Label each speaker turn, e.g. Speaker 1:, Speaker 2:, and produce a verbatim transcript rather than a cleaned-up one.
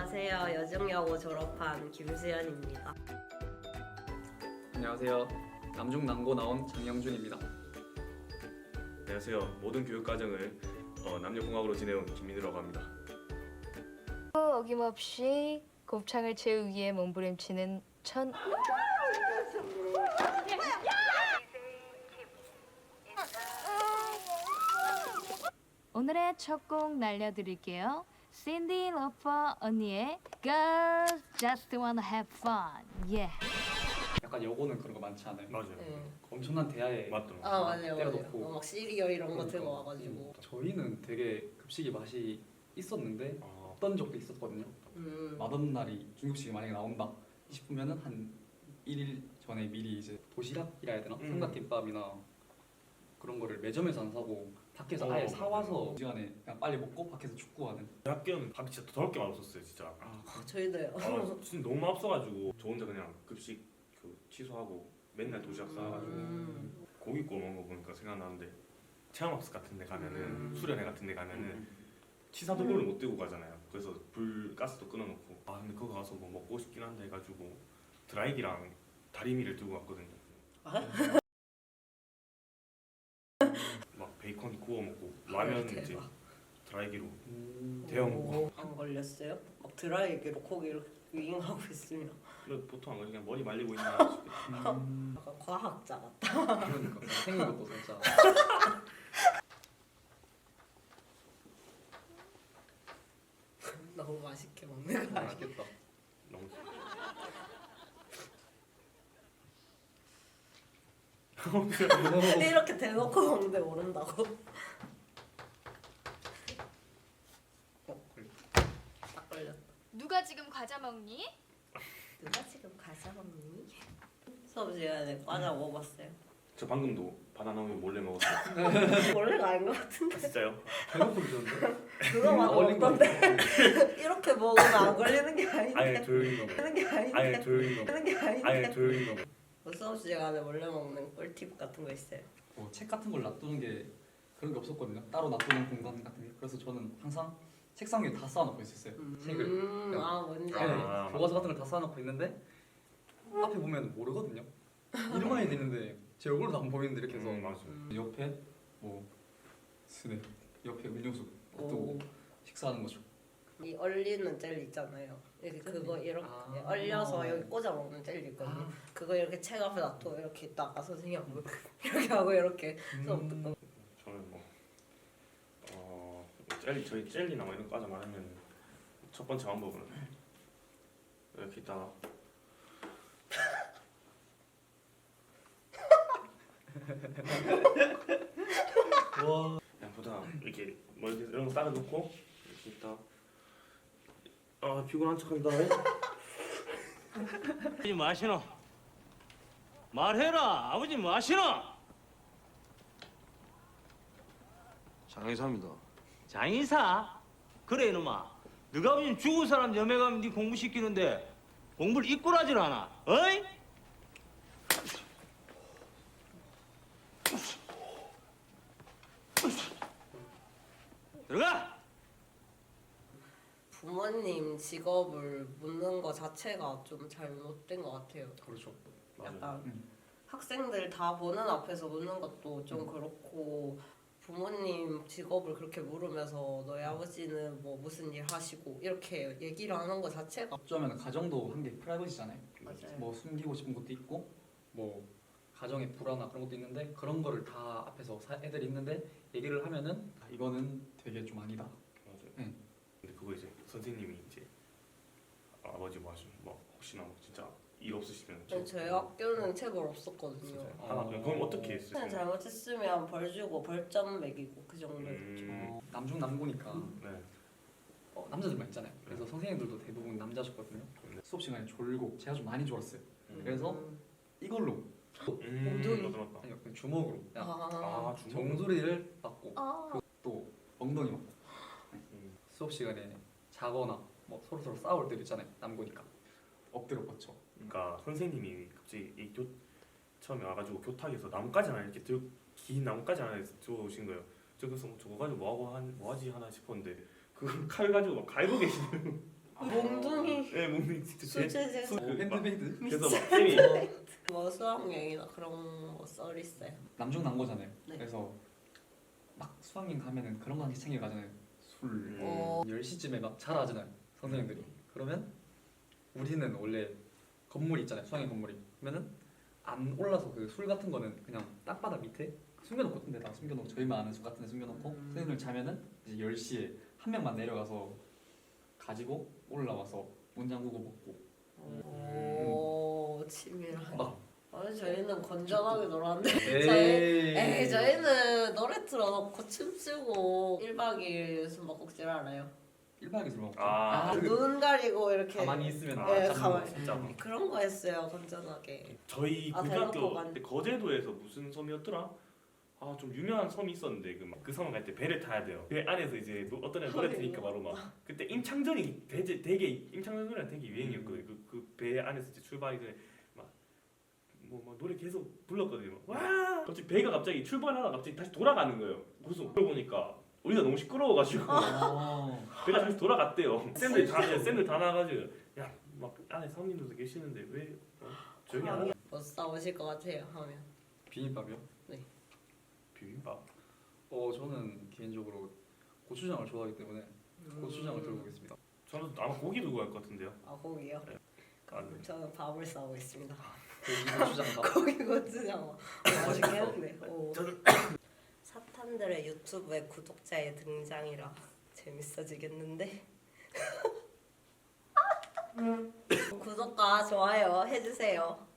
Speaker 1: 안녕하세요. 여중여고 졸업한 김수연입니다.
Speaker 2: 안녕하세요. 남중남고 나온 장영준입니다.
Speaker 3: 안녕하세요. 모든 교육과정을 어, 남녀공학으로 지내온 김민우라고 합니다.
Speaker 4: 어김없이 곱창을 채우기 위해 몸부림치는 천 오늘의 첫 곡 날려드릴게요. 신디 로퍼 언니의 Girls Just Wanna Have Fun. Yeah.
Speaker 2: 약간 여고는 그런 거 많지 않아요?
Speaker 3: 맞아요.
Speaker 1: 네.
Speaker 2: 엄청난 대야에
Speaker 3: 맞다.
Speaker 1: 아 맞아요, 맞아요.
Speaker 2: 때려놓고.
Speaker 1: 어, 막 시리얼 이런 거
Speaker 2: 그러니까.
Speaker 1: 들고 와가지고.
Speaker 2: 저희는 되게 급식이 맛이 있었는데
Speaker 3: 아,
Speaker 2: 어떤 적도 있었거든요.
Speaker 1: 음.
Speaker 2: 맛없는 날이 중급식이 만약에 나온다 싶으면은 한 일 일 전에 미리 이제 도시락이라 해야 되나?
Speaker 3: 음.
Speaker 2: 삼각김밥이나 그런 거를 매점에서 안 사고 밖에서
Speaker 3: 어,
Speaker 2: 아예
Speaker 3: 맞아요.
Speaker 2: 사와서 시간에 그냥 빨리 먹고 밖에서 축구하는.
Speaker 3: 학교는 밥이 진짜 더울 게 맛없었어요, 진짜.
Speaker 1: 아, 저희도요.
Speaker 3: 아, 진짜 너무 앞서가지고 저 혼자 그냥 급식 그 취소하고 맨날 도시락 싸가지고
Speaker 1: 음.
Speaker 3: 고기 구워 먹은 거 보니까 생각나는데 체험학습 같은 데 가면은
Speaker 1: 음.
Speaker 3: 수련회 같은 데 가면은 치사 도구를 못 들고 가잖아요. 그래서 불 가스도 끊어놓고 아 근데 그거 가서 뭐 먹고 싶긴 한데 해가지고 드라이기랑 다리미를 들고 갔거든요.
Speaker 1: 아?
Speaker 3: 막 베이컨 구워 먹고 라면
Speaker 1: 대박.
Speaker 3: 이제 드라이기로
Speaker 2: 음.
Speaker 3: 데워 먹고.
Speaker 1: 안 걸렸어요? 막 드라이기로 고기를 윙하고 있으면
Speaker 3: 근데 보통 안 그래 그냥 머리 말리고 있나 싶겠다.
Speaker 2: 음.
Speaker 1: 약간 과학자 같다.
Speaker 2: 그러니까 생긴 것도 진짜.
Speaker 1: 너무 맛있게 먹는 거 아니야?
Speaker 2: 맛있겠다.
Speaker 3: 너무
Speaker 1: 이렇게 대놓고 먹는데 모른다고? 어, 딱 걸렸다.
Speaker 4: 누가 지금 과자 먹니?
Speaker 1: 누가 지금 과자 먹니? 수업 시간에 과자 먹어봤어요?
Speaker 3: 저 방금도 바나나 우유 몰래 먹었어요.
Speaker 1: 원래가 아닌 것 같은데.
Speaker 3: 진짜요?
Speaker 2: 배고프 드셨는데?
Speaker 1: 그거 막
Speaker 2: 어울린 거
Speaker 1: 먹던데. 이렇게 먹으면 안 걸리는 게
Speaker 3: 아예
Speaker 1: 아닌데.
Speaker 3: 조용히 먹어.
Speaker 1: 걸리는 게 아닌데.
Speaker 3: 아예 조용히 먹어.
Speaker 1: 걸리는 게
Speaker 3: 아예
Speaker 1: 아닌데.
Speaker 3: 조용히 먹어.
Speaker 1: 뭐 수업 시간에 몰래 먹는 꿀팁 같은 거 있어요?
Speaker 2: 뭐 책 같은 걸 놔두는 게 그런 게 없었거든요. 따로 놔두는 공간 같은 게. 그래서 저는 항상 책상 위에 다 쌓아놓고 있었어요. 책을.
Speaker 1: 음, 아 뭔지
Speaker 2: 네,
Speaker 1: 알아요.
Speaker 3: 아,
Speaker 2: 교과서 같은 걸 다 쌓아놓고 있는데 앞에 보면 모르거든요. 이름만 해야 되는데 제 얼굴도 안 보이는데 이렇게 해서
Speaker 3: 음, 맞아.
Speaker 1: 음.
Speaker 2: 옆에 뭐 스낵, 옆에 음료수
Speaker 1: 오.
Speaker 2: 놔두고 식사하는 거죠.
Speaker 1: 이 얼리는 젤리 있잖아요. 이렇게 그거 이렇게
Speaker 2: 아.
Speaker 1: 얼려서 여기 꽂아 먹는 젤리 있거든요.
Speaker 2: 아.
Speaker 1: 그거 이렇게 책 앞에 놔두고 이렇게 있다가 선생님 하고 이렇게 하고 이렇게 수업 듣고.
Speaker 3: 저는 뭐 어, 젤리 저희 젤리나 뭐 이런 과자 말하면 첫 번째 방법은 이렇게 있다가
Speaker 2: 와.
Speaker 3: 그냥 보다 이렇게 뭐 이렇게 이런 거 따라 놓고 이렇게 있다. 아 피곤한 척한다.
Speaker 5: 아버지 마시노 말해라 아버지 마시노
Speaker 6: 장의사입니다.
Speaker 5: 장인사 그래 이놈아 너가 아버지 죽은 사람 염에 가면 네 공부시키는데 공부를 이꼴하질 않아 어이? 들어가
Speaker 1: 부모님 직업을 묻는 거 자체가 좀 잘못된 것 같아요.
Speaker 2: 그렇죠.
Speaker 3: 맞아요.
Speaker 1: 약간
Speaker 2: 음.
Speaker 1: 학생들 다 보는 앞에서 묻는 것도 좀 그렇고 부모님 직업을 그렇게 물으면서 너희 아버지는 뭐 무슨 일 하시고 이렇게 얘기를 하는 거 자체가
Speaker 2: 어쩌면 가정도 한 개 프라이버시잖아요.
Speaker 1: 맞아요.
Speaker 2: 뭐 숨기고 싶은 것도 있고 뭐 가정의 불화나 그런 것도 있는데 그런 거를 다 앞에서 사- 애들이 있는데 얘기를 하면은 아, 이거는 되게 좀 아니다.
Speaker 3: 맞아요.
Speaker 2: 응.
Speaker 3: 근데 그거 이제 선생님이 이제 아버지 뭐 하시면 뭐 혹시나 뭐 진짜 일 없으시면
Speaker 1: 근데 저희 학교는 체벌 없었거든요.
Speaker 3: 진짜요?
Speaker 2: 어.
Speaker 3: 하나 그럼 어떻게 했어요?
Speaker 1: 그냥 잘못했으면 벌 주고 벌점 매기고 그 정도였죠.
Speaker 3: 음,
Speaker 2: 어, 남중 남고니까
Speaker 3: 네.
Speaker 2: 어, 남자들만 있잖아요. 그래서 선생님들도 대부분 남자셨거든요.
Speaker 3: 네.
Speaker 2: 수업 시간에 졸고 제가 좀 많이 졸았어요.
Speaker 3: 음.
Speaker 2: 그래서
Speaker 1: 음.
Speaker 2: 이걸로
Speaker 3: 음,
Speaker 1: 엉덩이.
Speaker 3: 맞다 맞다.
Speaker 2: 아니요 그냥 주먹으로 그냥
Speaker 1: 아,
Speaker 3: 아 주먹.
Speaker 2: 정수리를 맞고
Speaker 1: 아.
Speaker 2: 또 엉덩이 맞고
Speaker 3: 음.
Speaker 2: 수업 시간에 자거나 뭐 서로 서로 싸울 때도 있잖아요. 남고니까 엎드려 뻗쳐.
Speaker 3: 그러니까 선생님이 갑자기 이 교 처음에 와가지고 교탁에서 나뭇가지 하나 이렇게 들, 긴 나뭇가지 하나 들어오신 거예요. 저 그래서 뭐 저거 가지고 뭐 하고 한, 뭐 하지 하나 싶었는데 그걸 칼 가지고 막 갈고 계시는.
Speaker 1: 몽둥이
Speaker 3: 네, 몽둥이 직접 제
Speaker 1: 수제제
Speaker 3: 수-
Speaker 2: 오, 핸드메이드?
Speaker 3: 그래서 막 쌤이
Speaker 1: 뭐 수학여행이나 그런 거 썰 있어요.
Speaker 2: 남중남고잖아요.
Speaker 1: 네.
Speaker 2: 그래서 막 수학여행 가면은 그런 거 한 개 챙겨 가잖아요. 술.
Speaker 3: 음.
Speaker 1: 어.
Speaker 2: 열 시쯤에 막 자라잖아요. 선생님들이. 그러면 우리는 원래 건물이 있잖아요. 수학여행 건물이. 그러면은 안 올라서 그 술 같은 거는 그냥 땅바닥 밑에 숨겨놓고 같은 데다 숨겨놓고 저희만 아는 술 같은 데 숨겨놓고
Speaker 1: 음.
Speaker 2: 선생님들 자면은 이제 열 시에 한 명만 내려가서 가지고 올라와서 문 잠그고 먹고
Speaker 1: 오 치밀하게.
Speaker 2: 막
Speaker 1: 아니 저희는 건전하게 놀았는데
Speaker 2: 에이,
Speaker 1: 에이 저희는 노래 틀어놓고 춤추고 일 박 이 일 숨바꼭질 알아요.
Speaker 2: 일 박에 술 먹고
Speaker 3: 아,
Speaker 2: 그
Speaker 1: 눈 가리고 이렇게
Speaker 2: 가만히 있으면
Speaker 3: 아,
Speaker 1: 네,
Speaker 3: 잡는
Speaker 1: 가만히.
Speaker 3: 거 진짜.
Speaker 1: 그런 거 했어요 건전하게.
Speaker 3: 저희
Speaker 1: 아,
Speaker 3: 고등학교
Speaker 1: 대놓고 간-
Speaker 3: 때 거제도에서 무슨 섬이었더라? 아 좀 유명한 섬이 있었는데 그, 그 섬을 갈 때 배를 타야 돼요. 배 안에서 이제 노- 어떤 애 노래 트니까 바로 막 그때 임창정이 되게, 되게 임창정 노래가 되게 유행이었거든요. 그 그 배 안에서 이제 출발하기 전에 막 뭐 막 노래 계속 불렀거든요. 막, 와 갑자기 배가 갑자기 출발하다가 갑자기 다시 돌아가는 거예요. 그래서 그러보니까 우리가 너무 시끄러워가지고
Speaker 2: 어.
Speaker 3: 배가 다시 돌아갔대요. 쌤들 다 쌤들 다 나가지고 야 막 안에 사모님들도 계시는데 왜 어? 조용히 안 하냐?
Speaker 1: 뭐 싸우실 것 같아요 하면.
Speaker 2: 비빔밥이요?
Speaker 3: 비빔밥.
Speaker 2: 어 저는 개인적으로 고추장을 좋아하기 때문에 고추장을 들고 오겠습니다.
Speaker 3: 저는 아마 고기 들고 갈 것 같은데요.
Speaker 1: 아 고기요?
Speaker 3: 네.
Speaker 1: 그럼 저는 밥을 싸고 있습니다.
Speaker 2: 고기 고추장 밥.
Speaker 1: 고기 고추장 맛있겠는데. 오. 사탄들의 유튜브에 구독자의 등장이라 재밌어지겠는데. 구독과 좋아요 해주세요.